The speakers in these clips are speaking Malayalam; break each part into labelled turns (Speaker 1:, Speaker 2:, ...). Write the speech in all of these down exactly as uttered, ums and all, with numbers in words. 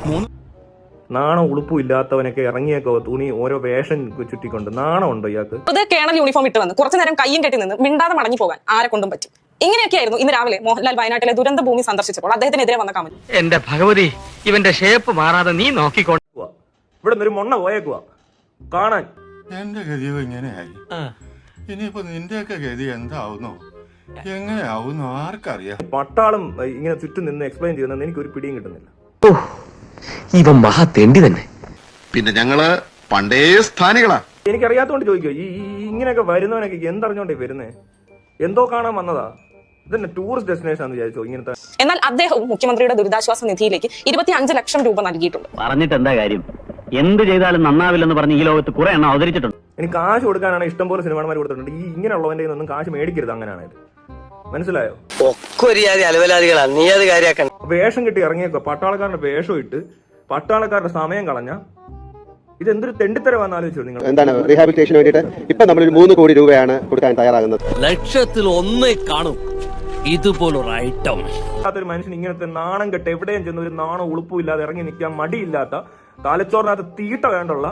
Speaker 1: നാണം ഉളുപ്പും ഇല്ലാത്തവനൊക്കെ ഇറങ്ങിയൊക്കെ തുണി ഓരോ വേഷം ചുറ്റിക്കൊണ്ട് നാണം ഉണ്ടോ ഇയാൾക്ക്?
Speaker 2: കേണൽ യൂണിഫോം ഇട്ട് വന്ന് കുറച്ചു നേരം കയ്യും കെട്ടി നിന്ന് മിണ്ടാതെ മടങ്ങി പോകാൻ ആരെ കൊണ്ടും പറ്റും. ഇങ്ങനെയൊക്കെയായിരുന്നു ഇന്ന് രാവിലെ മോഹൻലാൽ വയനാട്ടിലെ ദുരന്ത ഭൂമി സന്ദർശിച്ചപ്പോൾ അദ്ദേഹത്തിനെതിരെ വന്ന കമന്റ്.
Speaker 3: എന്റെ ഭഗവതി, ഇവന്റെ ഷേപ്പ് മാറാതെ നീ നോക്കിക്കോ.
Speaker 1: ഇവിടെ ഒരു മൊണ്ണ പോയേക്കുവാ കാണാൻ.
Speaker 4: എന്റെ ഗതിയോ ഇങ്ങനെയായി, ഇനിയിപ്പോ നിന്റെയൊക്കെ ഗതി എന്താവുന്നോ എങ്ങനെയാവുന്നോ ആർക്കറിയാം.
Speaker 1: പട്ടാളം ഇങ്ങനെ ചുറ്റും നിന്ന് എക്സ്പ്ലെയിൻ ചെയ്യുന്നത് എനിക്ക് ഒരു പിടിയും കിട്ടുന്നില്ല.
Speaker 5: ഇവൻ മഹാ തെണ്ടി തന്നെ.
Speaker 6: പിന്നെ ഞങ്ങള് പണ്ടേ സ്ഥാനികളാ.
Speaker 1: എനിക്കറിയാത്തോണ്ട് ചോദിക്കോ, ഈ ഇങ്ങനെയൊക്കെ വരുന്നവനൊക്കെ എന്തറിഞ്ഞോണ്ടേ വരുന്നേ? എന്തോ കാണാൻ വന്നതാ? ഇതന്നെ ടൂറിസ്റ്റ് ഡെസ്റ്റിനേഷൻ ആണെന്ന് വിചാരിച്ചോ ഇങ്ങനത്തെ?
Speaker 2: എന്നാൽ അദ്ദേഹവും മുഖ്യമന്ത്രിയുടെ ദുരിതാശ്വാസ നിധിയിലേക്ക് ഇരുപത്തി അഞ്ച് ലക്ഷം രൂപ നൽകിയിട്ടുണ്ട്.
Speaker 3: പറഞ്ഞിട്ട് എന്താ കാര്യം? എന്ത് ചെയ്താലും നന്നാവില്ലെന്ന് പറഞ്ഞ് ഈ ലോകത്ത് കുറെ എണ്ണം അവതരിച്ചിട്ടുണ്ട്.
Speaker 1: എനിക്ക് കാശ് കൊടുക്കാനാണ് ഇഷ്ടംപോലെ സിനിമാന്മാർ കൊടുത്തിട്ടുണ്ട്. ഈ ഇങ്ങനെയുള്ളവന്റെ ഒന്നും കാശ് മേടിക്കരുത്. അങ്ങനെയാണത്, മനസ്സിലായോ?
Speaker 3: നീ അത് കാര്യാക്കണം.
Speaker 1: വേഷം കിട്ടി ഇറങ്ങിയേക്കോ, പട്ടാളക്കാരുടെ വേഷം ഇട്ട് പട്ടാളക്കാരുടെ സമയം കളഞ്ഞ ഇതെന്തൊരു തെണ്ടിത്തരമാണെന്ന് ആലോചിച്ചോ നിങ്ങൾ?
Speaker 7: എന്താണ് റീഹാബിലിറ്റേഷന് വേണ്ടിയിട്ട് ഇപ്പൊ നമ്മളൊരു മൂന്ന് കോടി രൂപയാണ് കൊടുക്കാൻ തയ്യാറാകുന്നത്.
Speaker 5: ലക്ഷത്തിൽ ഒന്നേ കാണും ഇതുപോലൊരു ഐറ്റം.
Speaker 1: ഒരു മനുഷ്യൻ ഇങ്ങനത്തെ നാണം കെട്ട് എവിടെയും ചെന്ന് ഒരു നാണം ഉളുപ്പും ഇല്ലാതെ ഇറങ്ങി നിൽക്കാൻ മടിയില്ലാത്ത തലച്ചോറിനകത്ത് തീട്ട വേണ്ടുള്ള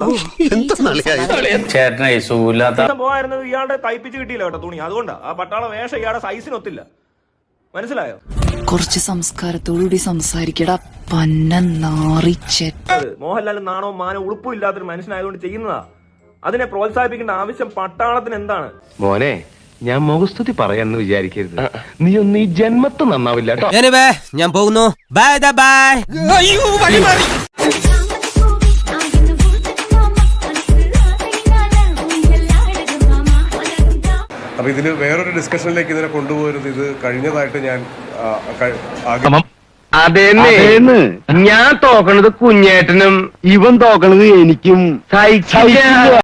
Speaker 1: പോയിരുന്നത് ഇയാളുടെ തയ്പ്പിച്ച് കിട്ടിയില്ല കേട്ടോ തുണി. അതുകൊണ്ടാ ആ പട്ടാള വേഷം ഇയാളുടെ സൈസിനൊത്തില്ല, മനസ്സിലായോ?
Speaker 8: കുറച്ച് സംസ്കാരത്തോടുകൂടി സംസാരിക്കടാ പന്ന നാറിച്ചെ.
Speaker 1: മോഹൻലാൽ നാണവും മാനവും ഉളുപ്പും ഇല്ലാത്തൊരു മനുഷ്യനായതുകൊണ്ട് ചെയ്യുന്നതാ. അതിനെ പ്രോത്സാഹിപ്പിക്കേണ്ട ആവശ്യം പട്ടാളത്തിന് എന്താണ്?
Speaker 5: മോനെ, ഞാൻ മുഖസ്തുതി പറയാന്ന് വിചാരിക്കരുത്. നീ ഒന്ന് ഈ ജന്മത്ത് നന്നാവില്ല കേട്ടോ.
Speaker 3: ഞാൻ പോകുന്നു. Bye bye.
Speaker 9: അപ്പൊ ഇതിന് വേറൊരു ഡിസ്കഷനിലേക്ക് ഇതിനെ കൊണ്ടുപോകരുത്. ഇത് കഴിഞ്ഞതായിട്ട് ഞാൻ
Speaker 5: അതേന്ന് ഞാൻ തോക്കണത് കുഞ്ഞേട്ടനും ഇവൻ തോക്കണത് എനിക്കും.